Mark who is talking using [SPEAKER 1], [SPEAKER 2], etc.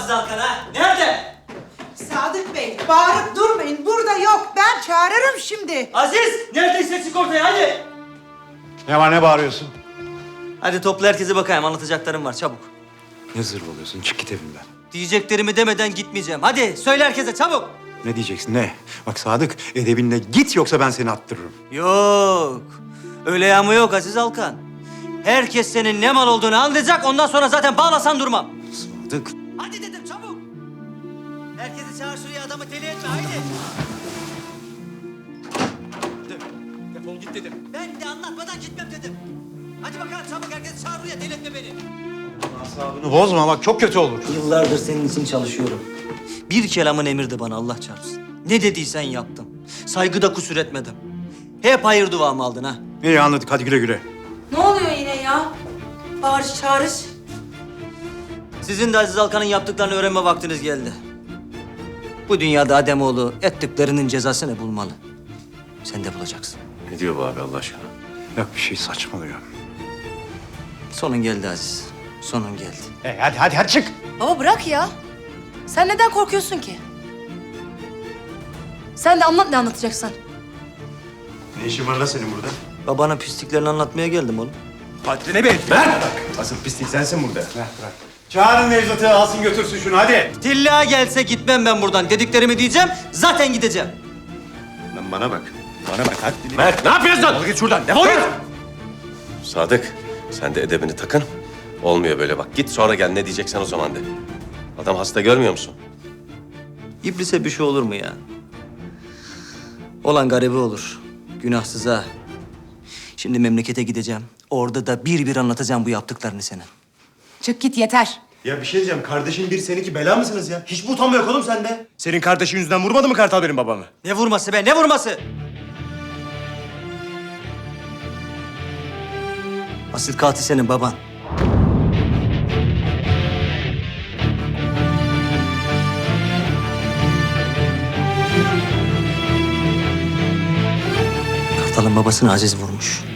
[SPEAKER 1] Aziz Alkan ha? Nerede?
[SPEAKER 2] Sadık Bey, bağırıp durmayın. Burada yok. Ben çağırırım şimdi.
[SPEAKER 1] Aziz! Neredeyse çık ortaya hadi!
[SPEAKER 3] Ne var, ne bağırıyorsun?
[SPEAKER 1] Hadi topla herkese bakayım, anlatacaklarım var çabuk.
[SPEAKER 3] Ne zırvalıyorsun? Çık git evimden.
[SPEAKER 1] Diyeceklerimi demeden gitmeyeceğim. Hadi söyle herkese çabuk.
[SPEAKER 3] Ne diyeceksin, ne? Bak Sadık, edebinle git yoksa ben seni attırırım.
[SPEAKER 1] Yok. Öyle yağma yok Aziz Alkan. Herkes senin ne mal olduğunu anlayacak. Ondan sonra zaten bağlasan durmam.
[SPEAKER 3] Sadık.
[SPEAKER 1] Hadi dedim çabuk. Herkesi çağır şuraya, adamı deli etme haydi.
[SPEAKER 3] Defol git dedim.
[SPEAKER 1] Ben de anlatmadan gitmem dedim. Hadi bakalım çabuk, herkesi çağır buraya, deli etme beni.
[SPEAKER 3] Asabını bozma bak, çok kötü olur.
[SPEAKER 1] Yıllardır senin için çalışıyorum. Bir kelamın emirdi bana, Allah çarpsın. Ne dediysen yaptım. Saygıda kusur etmedim. Hep hayır duamı aldın ha.
[SPEAKER 3] İyi anladık, hadi güle güle.
[SPEAKER 4] Ne oluyor yine ya? Bağırış çağırış.
[SPEAKER 1] Sizin de Aziz Alkan'ın yaptıklarını öğrenme vaktiniz geldi. Bu dünyada Ademoğlu ettiklerinin cezasını bulmalı. Sen de bulacaksın.
[SPEAKER 5] Ne diyor bu abi Allah aşkına?
[SPEAKER 3] Yok bir şey saçmalıyor.
[SPEAKER 1] Sonun geldi Aziz. Sonun geldi.
[SPEAKER 3] Hadi çık.
[SPEAKER 4] Baba bırak ya. Sen neden korkuyorsun ki? Sen de anlat ne anlatacaksan.
[SPEAKER 3] Ne işin var lan senin burada?
[SPEAKER 1] Babanın pisliklerini anlatmaya geldim oğlum.
[SPEAKER 3] Haddine bil. Ver! Asıl pislik sensin burada. Bırak. Çağırın Nevzat'ı, alsın götürsün şunu hadi.
[SPEAKER 1] Tilla gelse gitmem ben buradan. Dediklerimi diyeceğim, zaten gideceğim.
[SPEAKER 3] Lan bana bak. Bana bak haddini.
[SPEAKER 5] Mert ne yapıyorsun?
[SPEAKER 3] Defol git şuradan, defol git.
[SPEAKER 5] Sadık sen de edebini takın. Olmuyor böyle bak. Git sonra gel ne diyeceksen o zaman de. Adam hasta görmüyor musun?
[SPEAKER 1] İblise bir şey olur mu ya? Olan garibi olur. Günahsız ha. Şimdi memlekete gideceğim. Orada da bir bir anlatacağım bu yaptıklarını senin.
[SPEAKER 4] Çık git yeter.
[SPEAKER 6] Ya bir şey diyeceğim. Kardeşin bir seninki bela mısınız ya? Hiç mi utanma yok oğlum sende? Senin kardeşin yüzünden vurmadı mı Kartal benim babamı?
[SPEAKER 1] Ne vurması be, ne vurması? Asıl katil senin baban. Kartal'ın babasını Aziz vurmuş.